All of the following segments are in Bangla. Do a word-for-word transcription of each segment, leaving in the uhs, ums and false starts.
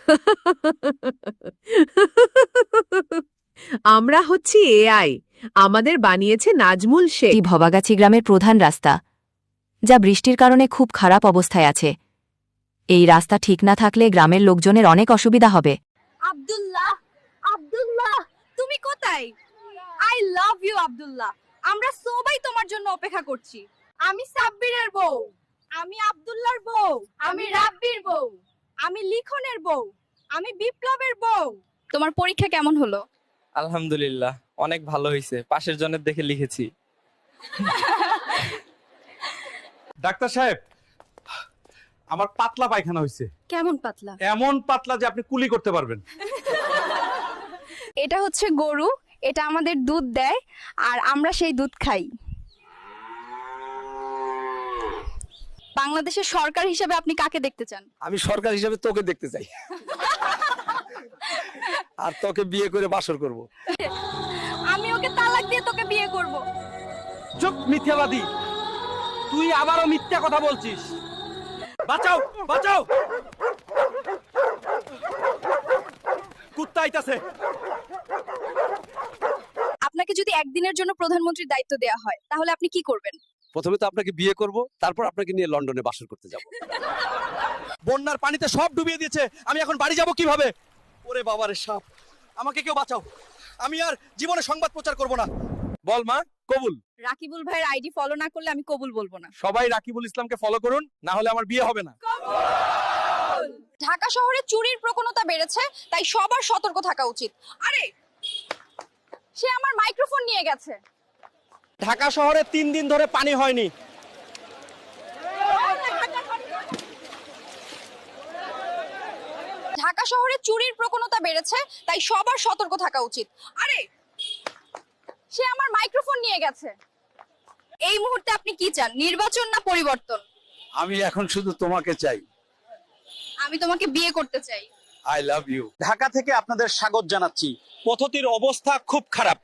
আমরা হচ্ছি এআই, আমাদের বানিয়েছে নাজমুল শেখ। এটি ভবাগাছি গ্রামের প্রধান রাস্তা, যা বৃষ্টির কারণে খুব খারাপ অবস্থায় আছে। এই রাস্তা ঠিক না থাকলে গ্রামের লোকজনের অনেক অসুবিধা হবে। আব্দুল্লাহ, আব্দুল্লাহ, তুমি কোথায়? I love you Abdullah. আমরা সবাই তোমার জন্য অপেক্ষা করছি। আমি সাব্বিরের বউ, আমি আব্দুল্লাহর বউ, আমি রাব্বির বউ, আমি লিখনের বউ, আমি বিপ্লবের বউ। তোমার পরীক্ষা কেমন হলো? আলহামদুলিল্লাহ, অনেক ভালো হয়েছে। পাশের জনের দেখে লিখেছি। ডাক্তার সাহেব, আমার পাতলা পায়খানা হয়েছে। কেমন পাতলা? এমন পাতলা যে আপনি কুলি করতে পারবেন। এটা হচ্ছে গরু, এটা আমাদের দুধ দেয় আর আমরা সেই দুধ খাই। বাংলাদেশের সরকার হিসেবে আপনি কাকে দেখতে চান? আমি সরকার হিসেবে তোকে দেখতে চাই, আর তোকে বিয়ে করে বাসর করব। আমি ওকে তালাক দিয়ে তোকে বিয়ে করব। চুপ মিথ্যাবাদী, তুই আবারও মিথ্যা কথা বলছিস। বাঁচাও, বাঁচাও, কুত্তা আইতাছে। আপনাকে যদি একদিনের জন্য প্রধানমন্ত্রীর দায়িত্ব দেওয়া হয় তাহলে আপনি কি করবেন? প্রথমে তো আপনাকে বিয়ে করব, তারপর আপনাকে নিয়ে লন্ডনে বাসর করতে যাব। বন্যার পানিতে সব ডুবিয়ে দিয়েছে, আমি এখন বাড়ি যাব কিভাবে? ওরে বাবারে সাপ, আমাকে কেউ বাঁচাও, আমি আর জীবনে সংবাদ প্রচার করব না। বল মা, কবুল। রাকিবুল ভাইয়ের আইডি ফলো না করলে আমি কবুল বলবো না। সবাই রাকিবুল ইসলামকে ফলো করুন, না হলে আমার বিয়ে হবে না। ঢাকা শহরে চুরির প্রবণতা বেড়েছে, তাই সবার সতর্ক থাকা উচিত। আরে, সে আমার মাইক্রোফোন নিয়ে গেছে। ঢাকা শহরে তিন দিন ধরে পানি হয়নি। ঢাকা শহরে চুরির প্রবণতা বেড়েছে, তাই সবার সতর্ক থাকা উচিত। আরে, সে আমার মাইক্রোফোন নিয়ে গেছে। এই মুহূর্তে আপনি কি চান, নির্বাচন না পরিবর্তন? আমি এখন শুধু তোমাকে চাই। আমি তোমাকে বিয়ে করতে চাই। I love you. ঢাকা থেকে আপনাদের স্বাগত জানাচ্ছি। পথটির অবস্থা খুব খারাপ।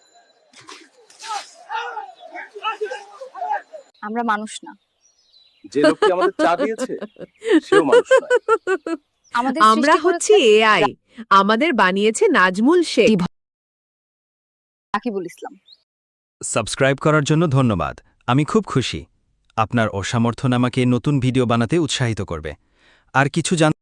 আমরা মানুষ না। যে লোকটি আমাদের চা দিয়েছে সেও মানুষ না। আমাদের আমরা হচ্ছি এআই, আমাদের বানিয়েছে নাজমুল শেখ। রাকিবুল ইসলাম। সাবস্ক্রাইব করার জন্য ধন্যবাদ। আমি খুব খুশি। আপনার অসামর্থ্য আমাকে নতুন ভিডিও বানাতে উৎসাহিত করবে। আর কিছু জান